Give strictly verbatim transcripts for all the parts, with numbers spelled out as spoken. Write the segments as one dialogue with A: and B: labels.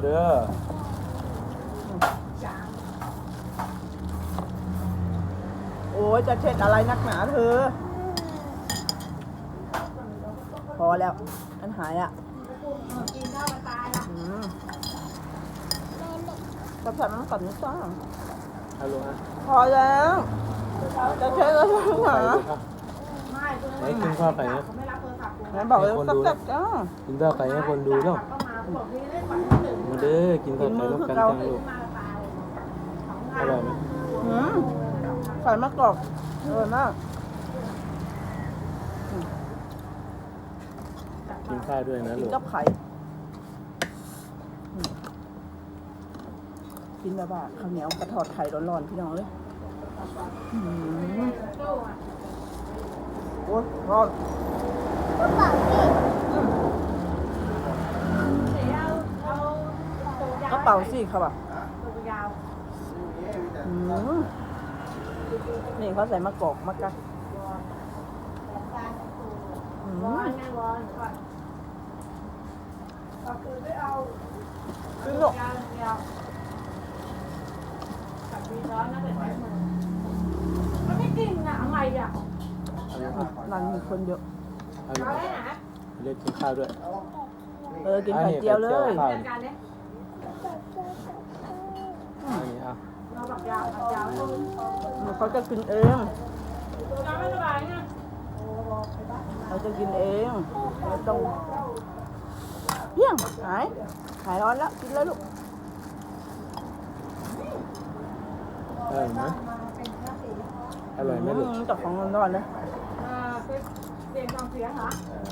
A: เด้อ
B: โอ้ยจะเช็ดอะไรนักหนาเธอพอแล้วอันหายอ่ะกินข้าวตายละกับผัดน้ำกับน้ำส้ม
A: ฮัลโหลฮะ
B: พอแล้วจะเช็ดอะไรนักหนา
A: ไหนกินข้าวไก่นะ
B: งั้นบอกเลยสับๆจ้า
A: กินข้าวไก่ให้คนดูเนาะมาเด้อกินข้าวไก่ร่วมกันจังลูกอร่อยไหม
B: อืมใส่มะกอกอร่อยมาก
A: กินข้าวด้วยนะ
B: กิน
A: ลูก
B: กับไข่กินแบบว่าข้าวเหนียวกระทอดไข่ร้อนๆพี่น้องเลยโอ้ยร้อนกระเป๋าสิครับอ่ะนี่เขาใส่มะกอกมะกักขึ้นหรอก
C: มันไม่จริงอะอะไรอะ
B: ร้านมีคนเยอะ
A: เรียกกินข้าวด้วย
B: เออกินไข่เจียวเลย
A: อันนี้อ่ะ
B: เขาจะกินเองเขาจะกินเองไม่ต้องเพี้ยงหายหายร้อนแล้วกินเลยลูก
A: อร่อยไหมอร่อยไหมลูก
B: จับของร้อนๆเลย
C: เสียงฟังเสียงเหรอ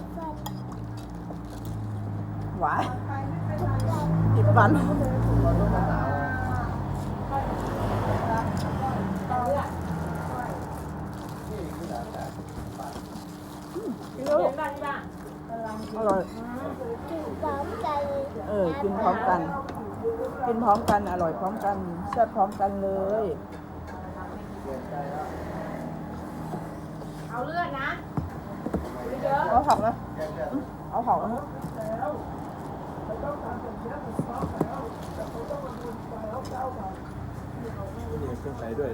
B: หวานติดฟันกินแล้วลูกอร่อย
D: กินพร้อมกัน
B: เออกินพร้อมกันกินพร้อมกันอร่อยพร้อมกันแซ่บพร้อมกันเลย
C: เอาเลือดนะ
B: เอาผักนะเอาผักนะ
A: นี่เครื่องใส่ด้วย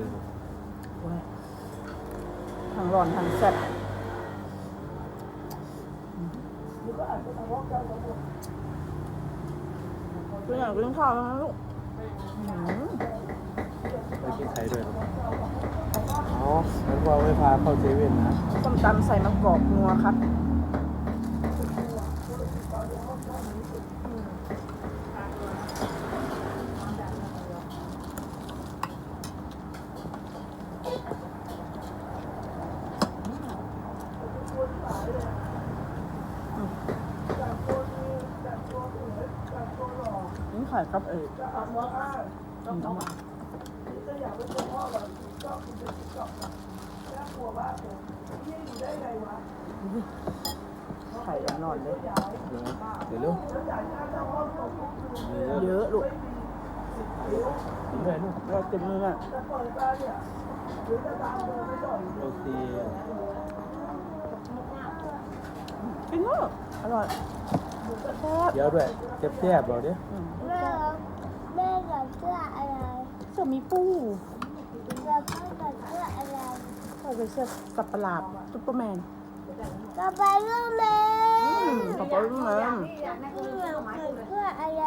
B: ทางร้อนทางแซ่บกินอย่างกินข้าวแล้วนะลูก
A: ไปกินไข่ด้วยครับอ๋องั้นพ่อไม่พาเข้าเซเว่นนะ
B: ส้มตำใส่มะกอกนัวครับนี่ไข่ครับเอ๋ไข่นอนเลย
A: เดี๋ยวลูก
B: เยอะลูก
A: กินด้วยลูก
B: เราเต็มมืออ่ะ
A: โอเค
B: กินเนอะอร่อย
A: เดี๋ยวด้วยแซ่บๆบอกดิ
D: แม่แม่กับเสื้ออะไร
B: เสื้อมีปู
D: กับพ่อกับเสื้ออะไร
B: ใส่เป็นเสื้อสับประหลาดซุปเปอร์แมน
D: กับไปลูกแม่
B: กับไปลูกแม่
D: เสื้ออะไร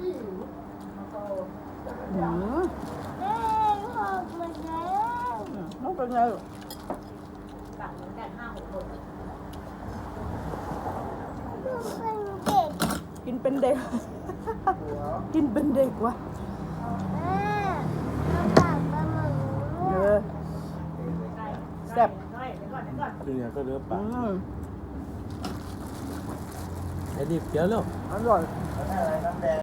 B: หืม
D: แม่หกหมดแล้ว
B: น้องเป็นไงกินเป็นเด็กกินเป็นเด็กวะ
D: แม่มาฝากมาหมู
B: เออแซ่บ
A: คือเนี่ยก็เลือปาก
B: อืม
A: ไอ้ดิบเยอะแล้ว
B: อร่อย